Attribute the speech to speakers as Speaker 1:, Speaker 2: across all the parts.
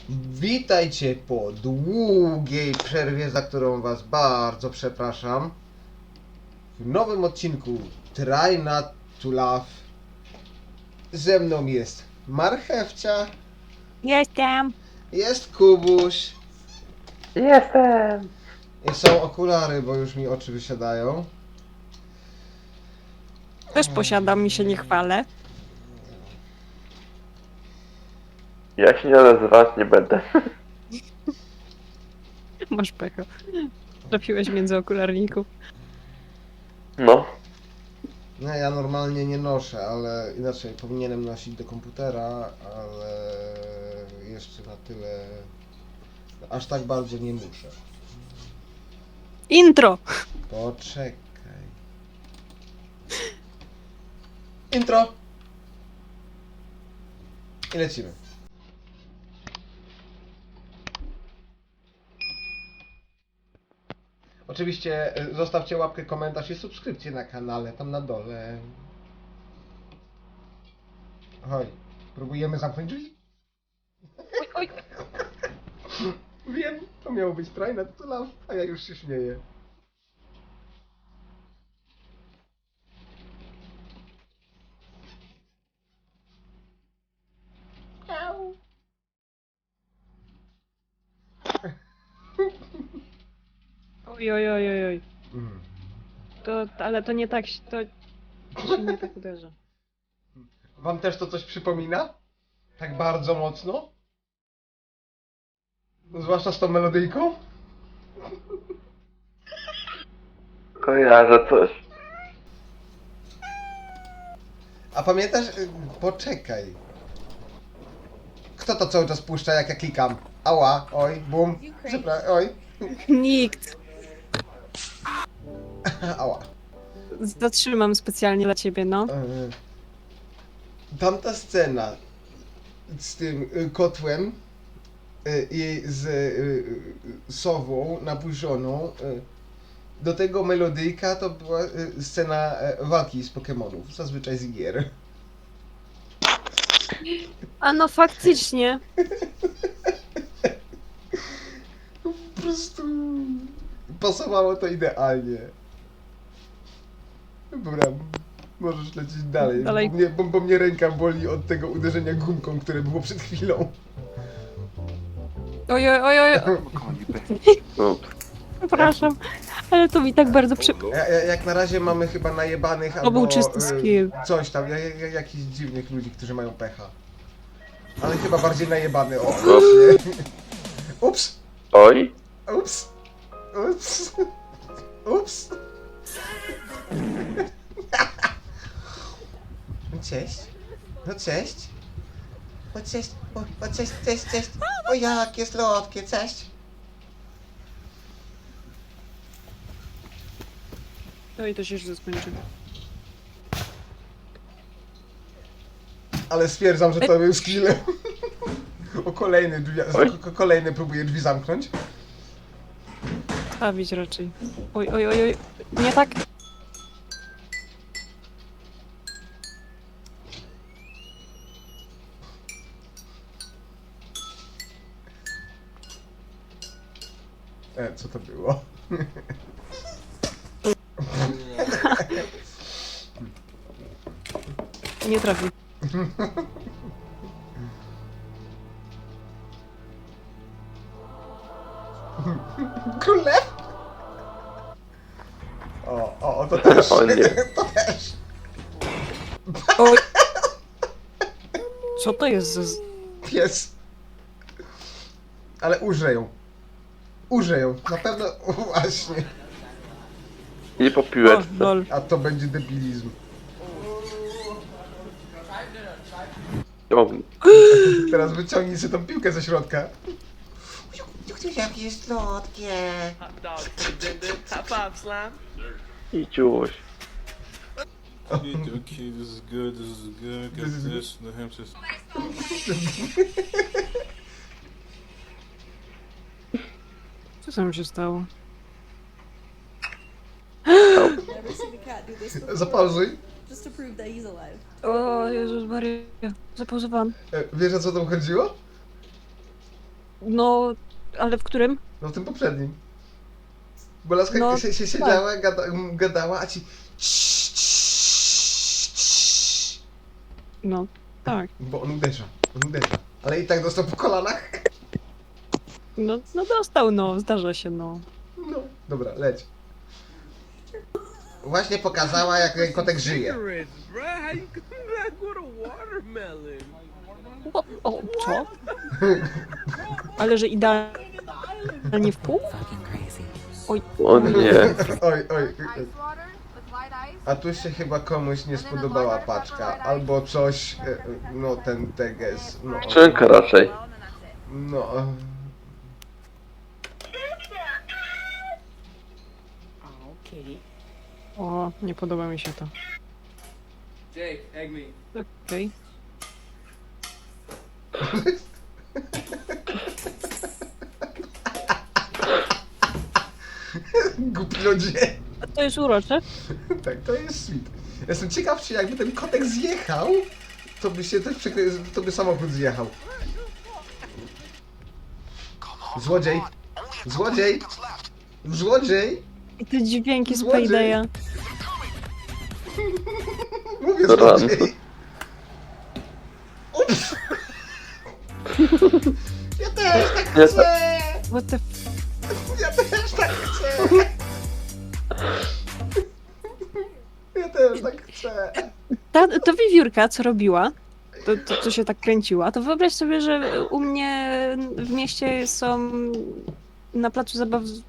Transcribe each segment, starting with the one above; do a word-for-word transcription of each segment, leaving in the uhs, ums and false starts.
Speaker 1: Witajcie po długiej przerwie, za którą was bardzo przepraszam. W nowym odcinku Try Not to Laugh ze mną jest Marchewcia,
Speaker 2: Jestem.
Speaker 1: jest Kubuś
Speaker 3: Jestem!
Speaker 1: i są okulary, bo już mi oczy wysiadają.
Speaker 2: Też posiadam, mi się nie chwalę.
Speaker 3: Ja się nie nazywać nie będę.
Speaker 2: Masz pecho. Trafiłeś między okularników.
Speaker 3: No.
Speaker 1: No ja normalnie nie noszę, ale inaczej powinienem nosić do komputera, ale jeszcze na tyle, aż tak bardzo nie muszę.
Speaker 2: Intro!
Speaker 1: Poczekaj. Intro! I lecimy. Oczywiście y, zostawcie łapkę, komentarz i subskrypcję na kanale, tam na dole. Oj, próbujemy zamknąć drzwi?
Speaker 2: Oj, oj.
Speaker 1: Wiem, to miało być Try Not to Laugh, a ja już się śmieję. Au.
Speaker 2: Oj, oj, oj, oj, oj.
Speaker 1: Mm.
Speaker 2: To, ale to nie tak, się- to, to się nie tak uderza.
Speaker 1: Wam też to coś przypomina? Tak bardzo mocno? Zwłaszcza z tą melodyjką?
Speaker 3: Kojarzę coś.
Speaker 1: A pamiętasz? y, Poczekaj. Kto to cały czas puszcza, jak ja klikam? Ała, oj, bum, przepraszam, oj,
Speaker 2: Nikt.
Speaker 1: ała.
Speaker 2: Zatrzymam specjalnie dla ciebie, no.
Speaker 1: E, Tamta scena z tym y, kotłem y, i z y, y, sową napuszoną, y, do tego melodyjka to była y, scena e, walki z Pokemonów, zazwyczaj z gier.
Speaker 2: A no faktycznie.
Speaker 1: Po prostu pasowało to idealnie. Dobra, możesz lecieć dalej,
Speaker 2: Dalej.
Speaker 1: Bo, mnie, bo, bo mnie ręka boli od tego uderzenia gumką, które było przed chwilą.
Speaker 2: Oj, oj, oj, oj.
Speaker 3: No.
Speaker 2: Przepraszam. Ale to mi tak bardzo przy...
Speaker 1: Ja, ja, jak na razie mamy chyba najebanych
Speaker 2: To
Speaker 1: albo
Speaker 2: był czysty
Speaker 1: y,
Speaker 2: skill.
Speaker 1: coś tam, ja, ja, jakichś dziwnych ludzi, którzy mają pecha. Ale chyba bardziej najebany, o
Speaker 3: Ups.
Speaker 1: właśnie. Ups,
Speaker 3: Oj.
Speaker 1: ups, ups, ups. Cześć, no cześć. O cześć, o, o cześć, cześć, cześć. O jakie słodkie, cześć.
Speaker 2: No i to się źle skończy.
Speaker 1: Ale stwierdzam, że to był skill. O kolejny drzwi,
Speaker 3: Oj.
Speaker 1: ko- kolejny próbuję drzwi zamknąć.
Speaker 2: Stawić raczej. Oj, oj, oj, oj. Nie tak.
Speaker 1: E, co to było?
Speaker 2: Nie trafi.
Speaker 1: Królew? O, o, o, to też.
Speaker 3: O nie.
Speaker 1: To też.
Speaker 2: Oj. Co to jest za... z-
Speaker 1: Pies. Ale użyję ją. Użyję ją. Na pewno, właśnie.
Speaker 3: I po
Speaker 2: O,
Speaker 3: piłeczce.
Speaker 2: lol.
Speaker 1: A to będzie debilizm.
Speaker 3: Ciągnij.
Speaker 1: Teraz wyciągnij sobie tą piłkę ze środka. Jakie jest słodkie.
Speaker 4: Hot dog, did it. High five, slime.
Speaker 3: I ciuś.
Speaker 5: Okay, okay, this is good, this is good,
Speaker 1: This
Speaker 5: get
Speaker 1: is
Speaker 5: this, New Hampshire.
Speaker 2: Co tam się stało?
Speaker 6: Never seen a cat do this before.
Speaker 1: Zapauzuj.
Speaker 6: Just to prove that he's alive.
Speaker 2: O Jezus Maria. Zapauzowałam.
Speaker 1: E, Wiesz, o co tam chodziło?
Speaker 2: No, ale w którym?
Speaker 1: No w tym poprzednim. Bo laska
Speaker 2: No,
Speaker 1: się, się
Speaker 2: tak.
Speaker 1: siedziała, gada, gadała, a ci...
Speaker 2: No, tak.
Speaker 1: Bo on uderza, on uderza. Ale i tak dostał po kolanach.
Speaker 2: No, no dostał, no, zdarza się, no.
Speaker 1: No, dobra, leć. Właśnie pokazała, jak ten kotek żyje.
Speaker 4: Cigarettes, bruh. How you come back with a watermelon?
Speaker 2: O, o co? Ale że idealnie w pół? Oj,
Speaker 3: O nie.
Speaker 1: Oj, oj.
Speaker 7: Ice water with light ice.
Speaker 1: A tu się chyba komuś nie spodobała paczka. Albo coś, e, e, no ten teges, no.
Speaker 3: Skrzynka raczej.
Speaker 7: Well, and then that's it.
Speaker 1: No. e,
Speaker 2: o, nie podoba mi się to.
Speaker 4: Jake, egg me.
Speaker 2: Okej.
Speaker 1: Głupi ludzie.
Speaker 2: A to jest urocze.
Speaker 1: Tak, to jest sweet. Jestem ciekaw, czy jakby ten kotek zjechał, to by się też przykry... to by samochód zjechał. Złodziej! Złodziej! Złodziej!
Speaker 2: I te dźwięki z
Speaker 1: Złodziej.
Speaker 2: Paydaya.
Speaker 1: Mówię
Speaker 3: Run.
Speaker 1: złodziej! Ups! Ja też tak
Speaker 3: Nie,
Speaker 1: chcę!
Speaker 2: What the f...
Speaker 1: Ja też tak chcę! Ja też tak chcę!
Speaker 2: Ta, ta wiewiórka, co robiła, to, to co się tak kręciła, to wyobraź sobie, że u mnie w mieście są na placu zabaw z-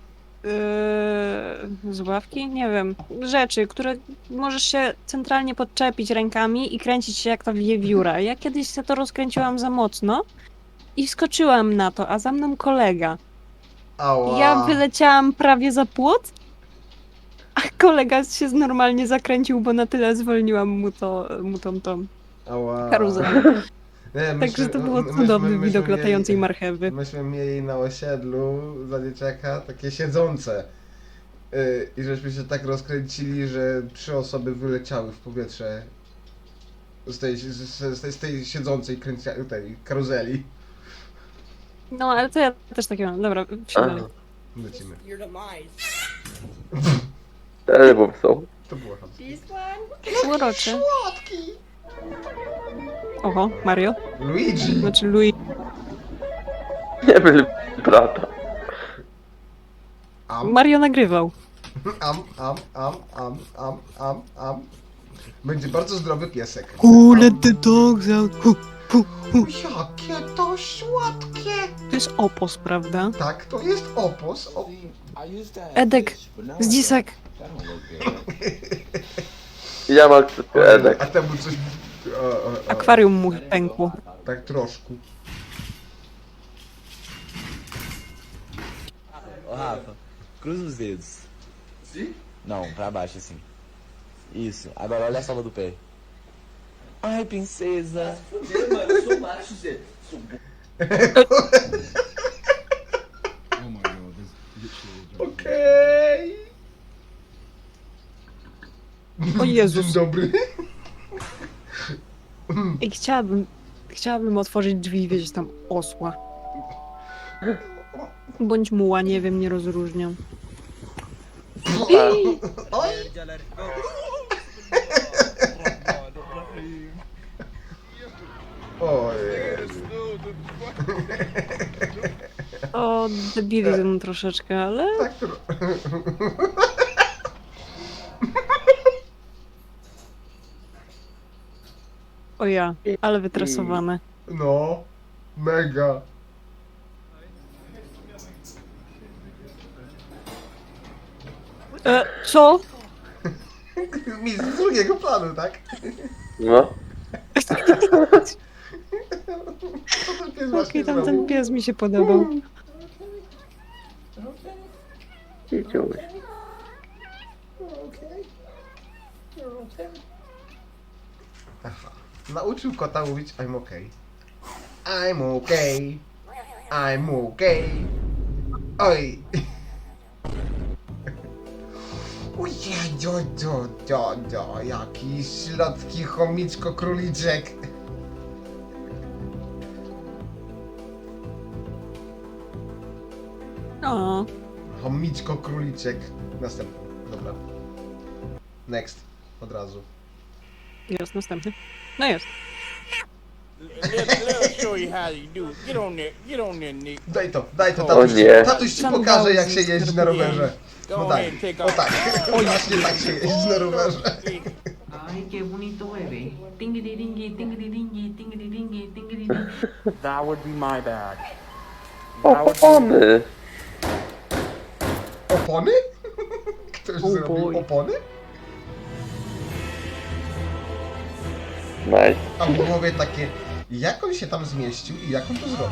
Speaker 2: yy, zabawki? Nie wiem. Rzeczy, które możesz się centralnie podczepić rękami i kręcić się jak ta wiewióra. Ja kiedyś się to rozkręciłam za mocno i wskoczyłam na to, a za mną kolega.
Speaker 1: Ała!
Speaker 2: Ja wyleciałam prawie za płot, a kolega się normalnie zakręcił, bo na tyle zwolniłam mu to, mu tą, tą
Speaker 1: Ała!
Speaker 2: karuzelę.
Speaker 1: Nie,
Speaker 2: Także to było
Speaker 1: my-
Speaker 2: cudowny
Speaker 1: myśmy
Speaker 2: widok latającej
Speaker 1: mieli-
Speaker 2: marchewy.
Speaker 1: Myśmy mieli na osiedlu za dzieciaka takie siedzące. Yy, I żeśmy się tak rozkręcili, że trzy osoby wyleciały w powietrze z tej, z, z, tej, z tej siedzącej kręcia, tej karuzeli.
Speaker 2: No, ale to ja też takie mam. Dobra, wsiadamy.
Speaker 3: Aha.
Speaker 1: Lecimy.
Speaker 3: Cztery bo są.
Speaker 1: To było tam.
Speaker 6: This one?
Speaker 2: Urocze. Oho, Mario.
Speaker 1: Luigi!
Speaker 2: Znaczy Louis.
Speaker 3: Nie byli brata.
Speaker 1: Am,
Speaker 2: Mario nagrywał.
Speaker 1: am, am, am, am, am, am, am. Będzie bardzo zdrowy piesek.
Speaker 2: Who let the dogs out? Hu, hu, hu.
Speaker 1: Jakie to słodkie!
Speaker 2: To jest opos, prawda?
Speaker 1: Tak, to jest opos. O,
Speaker 2: Edek, z dzisek.
Speaker 3: Ja mam akceptuję Edek.
Speaker 1: a temu coś... O, o, o.
Speaker 2: Akwarium mu pękło.
Speaker 1: Tak troszkę.
Speaker 8: Ô Rafa, cruza os dedos. Não, pra baixo assim. Isso. Agora olha a sola do pé. Ai, princesa.
Speaker 1: Okej.
Speaker 2: O Jezus.
Speaker 1: Dzień dobry.
Speaker 2: I chciałabym, chciałabym otworzyć drzwi i wiedzieć tam osła. Bądź muła, nie wiem, nie rozróżniam.
Speaker 1: Oj. O Jezu.
Speaker 2: O, debilizm troszeczkę, ale...
Speaker 1: Tak tro...
Speaker 2: O ja, ale wytresowane.
Speaker 1: No. Mega.
Speaker 2: E, co?
Speaker 1: Mi z drugiego planu, tak?
Speaker 3: No.
Speaker 1: Co ten pies właśnie
Speaker 2: Okej, tam ten
Speaker 1: zrobił?
Speaker 2: pies mi się podobał.
Speaker 3: Idziemy.
Speaker 1: Aha. Nauczył kota mówić I'm okay. I'm okay. I'm okay. Oj. Ojej, do, do, do, do, jaki środki chomiczko króliczek.
Speaker 2: O,
Speaker 1: Chomiczko króliczek. Następny. Dobra. Next. Od razu.
Speaker 2: jest następny. No jest.
Speaker 4: Let, let us show you how you do it. Get on there. Get on there, Nick.
Speaker 1: Daj to, daj to,
Speaker 3: O
Speaker 1: tatuś ci,
Speaker 3: nie.
Speaker 1: tatuś ci
Speaker 2: Sam
Speaker 1: pokaże
Speaker 2: dał
Speaker 1: jak się
Speaker 2: z
Speaker 1: jeździ na
Speaker 2: skorpionem.
Speaker 1: rowerze.
Speaker 4: Go
Speaker 1: No
Speaker 4: on
Speaker 1: tak,
Speaker 4: ahead and take
Speaker 1: o
Speaker 4: off.
Speaker 1: tak, o właśnie tak się jeździ na rowerze.
Speaker 9: Ay, qué bonito bebé. Tingidi dingi, tingidi dingi, tingidi dingi, tingidi dingi.
Speaker 10: That would be my bag. That would be
Speaker 3: Opony!
Speaker 1: Opony? Ktoś
Speaker 2: Oh
Speaker 1: zrobił
Speaker 2: boy.
Speaker 1: opony?
Speaker 3: Nice.
Speaker 1: A w głowie takie, jak on się tam zmieścił i jak on to zrobił?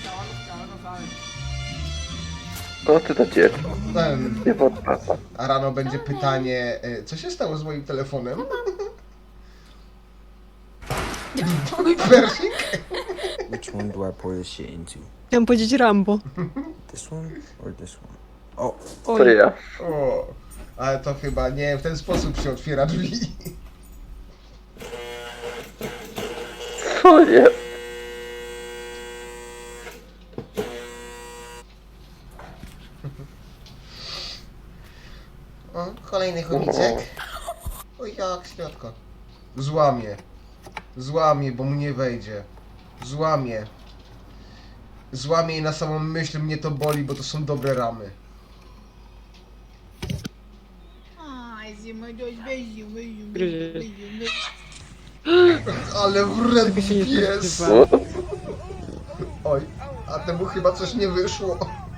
Speaker 3: No ty to dziecko.
Speaker 1: Em,
Speaker 3: Nie podpasa.
Speaker 1: A rano będzie pytanie, e, co się stało z moim telefonem? Persik?
Speaker 10: Which one do I pour this shit into?
Speaker 2: Chciałem powiedzieć Rambo.
Speaker 10: This one or this one? Oh,
Speaker 3: To
Speaker 2: Oj,
Speaker 3: ja.
Speaker 1: O, ale to chyba nie w ten sposób się otwiera drzwi.
Speaker 3: Co nie?
Speaker 1: O, kolejny chomiczek. O jak środko. Złamie. Złamie, bo mu nie wejdzie. Złamie. Złamie i na samą myśl mnie to boli, bo to są dobre ramy.
Speaker 2: gryzie.
Speaker 1: Ale wredny
Speaker 2: się nie
Speaker 1: pies.
Speaker 2: spodziewałam.
Speaker 1: Oj, a temu chyba coś nie wyszło.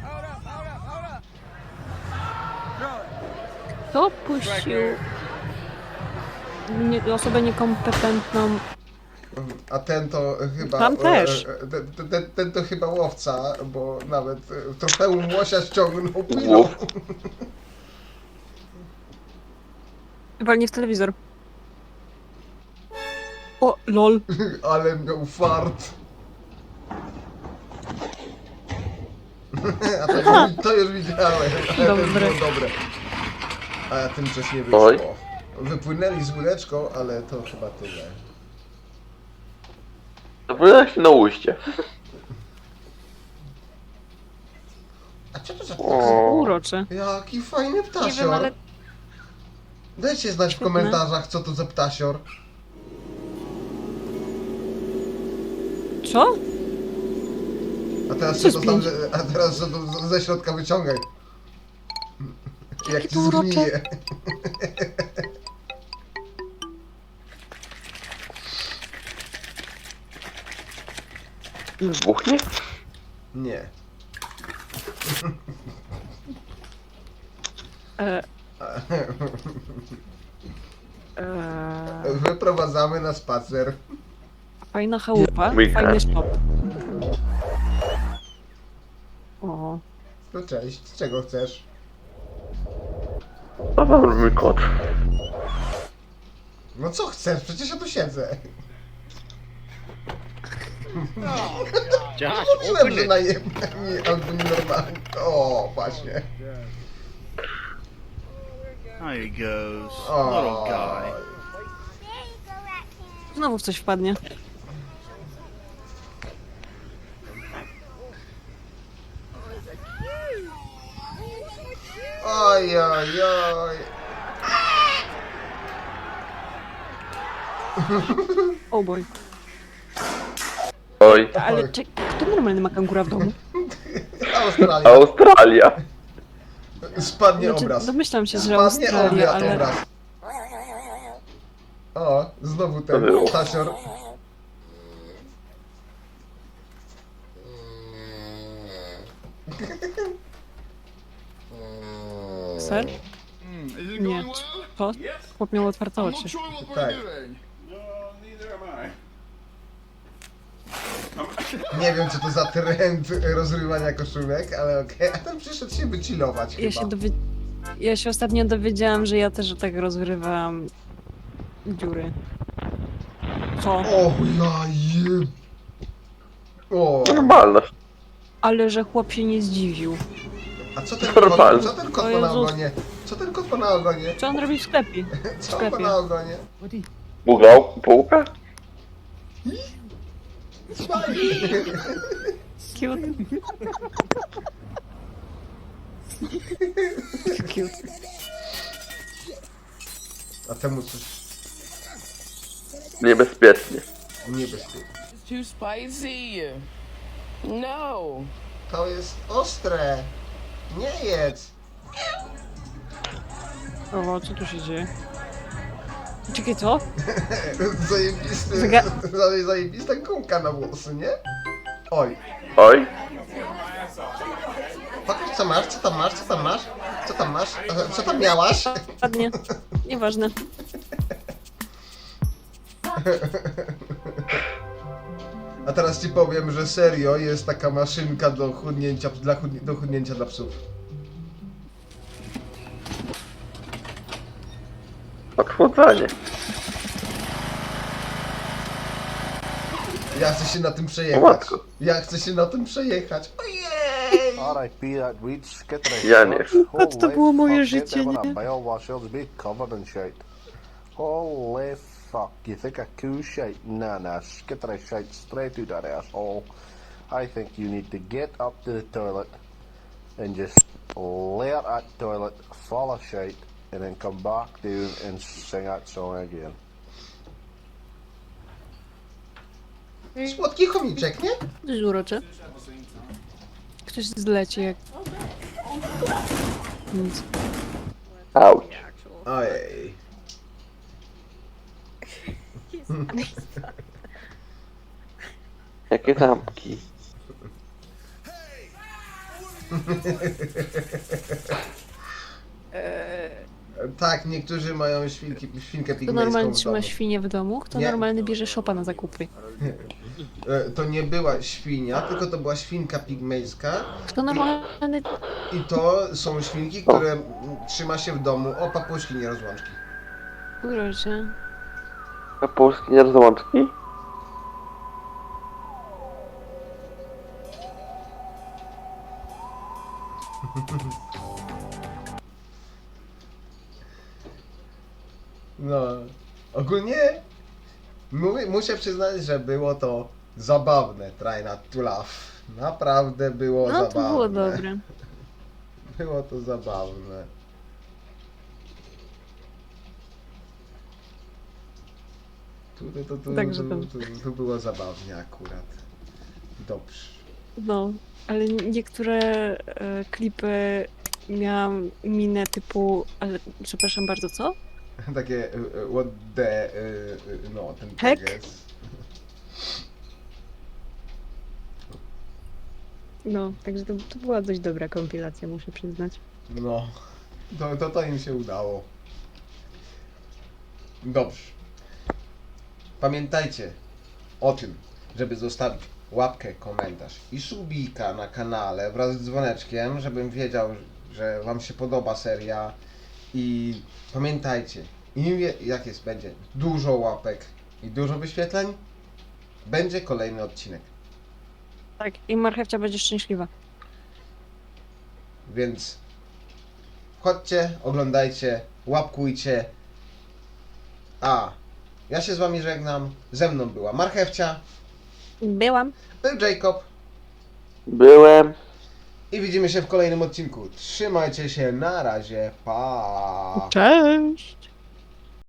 Speaker 2: Kto puścił nie, osobę niekompetentną?
Speaker 1: A ten to chyba...
Speaker 2: Tam też.
Speaker 1: e, e, Ten, ten, ten to chyba łowca, bo nawet e, trofeum łosia ściągnął piną.
Speaker 3: Łów.
Speaker 2: Walnie w telewizor. O, lol.
Speaker 1: Ale miał fart. A to, już, to już widziałem, ale to już
Speaker 2: Dobre.
Speaker 1: było dobre. A tym coś nie
Speaker 3: Oj.
Speaker 1: wyszło. Wypłynęli z łódeczką, ale to chyba tyle.
Speaker 3: To było się na uście.
Speaker 1: A co to za ptak?
Speaker 3: O.
Speaker 2: Urocze.
Speaker 1: Jaki fajny
Speaker 2: Nie
Speaker 1: ptasior.
Speaker 2: wiem, ale
Speaker 1: Dajcie znać w
Speaker 2: Świetne.
Speaker 1: komentarzach, co to za ptasior.
Speaker 2: co?
Speaker 1: A teraz
Speaker 2: Co
Speaker 1: co to
Speaker 2: z
Speaker 1: tam,
Speaker 2: pięć?
Speaker 1: a teraz co to z- ze środka wyciągaj. Jak ci
Speaker 2: to urocze.
Speaker 1: zgnije.
Speaker 3: Wybuchnie?
Speaker 1: Nie.
Speaker 2: E, e,
Speaker 1: Wyprowadzamy na spacer.
Speaker 2: fajna chałupa,
Speaker 3: Weekend.
Speaker 2: fajny shop. O,
Speaker 1: No cześć, czego chcesz?
Speaker 3: To wam mój kot.
Speaker 1: No co chcesz? Przecież ja tu siedzę.
Speaker 4: Josh,
Speaker 1: Mówiłem, że najemni albo nienormalni. O, właśnie.
Speaker 4: There he goes.
Speaker 1: O.
Speaker 2: znowu w coś wpadnie.
Speaker 1: Oj, oj, oj.
Speaker 2: O boj.
Speaker 3: Oj.
Speaker 2: Ale czy, kto normalny ma kangura w domu?
Speaker 1: Australia.
Speaker 3: Australia.
Speaker 1: Spadnie
Speaker 2: Znaczy,
Speaker 1: obraz.
Speaker 2: domyślam się, że
Speaker 1: Spadnie
Speaker 2: Australia,
Speaker 1: obiad,
Speaker 2: ale...
Speaker 1: obraz. O, znowu ten
Speaker 3: To było.
Speaker 1: ptasior.
Speaker 2: Ser? Nie. Co? Chłop miał otwarte oczy.
Speaker 1: Tak. Nie wiem, co to za trend rozrywania koszulek, ale okej. A ten przyszedł się wychillować
Speaker 2: Ja
Speaker 1: chyba.
Speaker 2: się, dowie... ja się ostatnio dowiedziałam, że ja też tak rozgrywam dziury. Co?
Speaker 1: O, ja je... O,
Speaker 3: Normalność.
Speaker 2: Ale że chłop się nie zdziwił.
Speaker 1: a co ten
Speaker 3: Normalne.
Speaker 1: kot, co ten kot
Speaker 2: O
Speaker 1: ma na
Speaker 2: Jezus.
Speaker 1: ogonie? Co ten kot ma na ogonie?
Speaker 2: Co on robi w sklepie? W
Speaker 1: Co on ma
Speaker 2: sklepie.
Speaker 1: na ogonie?
Speaker 3: Bugał bułkę?
Speaker 2: Cute. Cute.
Speaker 1: A temu coś
Speaker 3: Niebezpiecznie.
Speaker 1: niebezpieczne.
Speaker 9: It's too spicy. No.
Speaker 1: To jest ostre. Nie jedz.
Speaker 2: O, co tu się dzieje? Czekaj, co?
Speaker 1: Zajebisty,
Speaker 2: Zaga-
Speaker 1: zajebista gumka na włosy, nie? Oj.
Speaker 3: Oj,
Speaker 1: Pokaż co masz, co tam masz, co tam masz? Co tam masz? E, Co tam miałaś?
Speaker 2: Ładnie. Nieważne.
Speaker 1: A teraz ci powiem, że serio jest taka maszynka do chudnięcia dla, chudni- do chudnięcia dla psów.
Speaker 3: odchłodzenie.
Speaker 1: Ja chcę się na tym
Speaker 3: O
Speaker 1: przejechać.
Speaker 3: matko.
Speaker 1: Ja chcę się na tym przejechać. Ojej!
Speaker 3: Ja nie.
Speaker 2: A to było moje życie, nie?
Speaker 8: Holy fuck, you think a cool shite? Nah, nah, get that shite straight to that asshole. I think you need to get up to the toilet and just let that toilet full of shite and then come back down and sing that song again.
Speaker 1: Słodki chomiczek, nie?
Speaker 2: To jest urocze. Ktoś zleci jak... Nic.
Speaker 3: Auć.
Speaker 1: Ojej.
Speaker 3: Jakie zamki.
Speaker 1: Tak, niektórzy mają świnki, świnkę
Speaker 2: Kto
Speaker 1: pigmejską
Speaker 2: normalnie
Speaker 1: w
Speaker 2: trzyma
Speaker 1: domu.
Speaker 2: świnię w domu? Kto
Speaker 1: Nie.
Speaker 2: normalny bierze szopa na zakupy?
Speaker 1: E, To nie była świnia, tylko to była świnka pigmejska.
Speaker 2: Kto normalny...
Speaker 1: I to są świnki, które mm, trzyma się w domu. O, papuszki, nie rozłączki.
Speaker 2: Urocze.
Speaker 3: A polski nie rozłączki?
Speaker 1: No, ogólnie mówię, muszę przyznać, że było to zabawne, try not to laugh. Naprawdę było
Speaker 2: No
Speaker 1: zabawne.
Speaker 2: to było dobre.
Speaker 1: Było to zabawne. Tu, tu, tu, tu,
Speaker 2: Także
Speaker 1: tu,
Speaker 2: to-
Speaker 1: tu, tu było zabawnie akurat. Dobrze.
Speaker 2: No, ale niektóre e, klipy miałam minę typu... Ale, przepraszam bardzo, co?
Speaker 1: Takie y, y, what the... y, y, no, ten
Speaker 2: Heck?
Speaker 1: tekst.
Speaker 2: No, także to, to była dość dobra kompilacja, muszę przyznać.
Speaker 1: No, to, to, to im się udało. Dobrze. Pamiętajcie o tym, żeby zostawić łapkę, komentarz i subika na kanale wraz z dzwoneczkiem, żebym wiedział, że wam się podoba seria. I pamiętajcie, im wie, jak jest, będzie dużo łapek i dużo wyświetleń, będzie kolejny odcinek.
Speaker 2: Tak, i marchewcia będzie szczęśliwa.
Speaker 1: Więc chodźcie, oglądajcie, łapkujcie. A ja się z wami żegnam. Ze mną była Marchewcia,
Speaker 2: Byłam.
Speaker 1: był Jacob
Speaker 3: Byłem.
Speaker 1: i widzimy się w kolejnym odcinku. Trzymajcie się, na razie, pa!
Speaker 2: Cześć!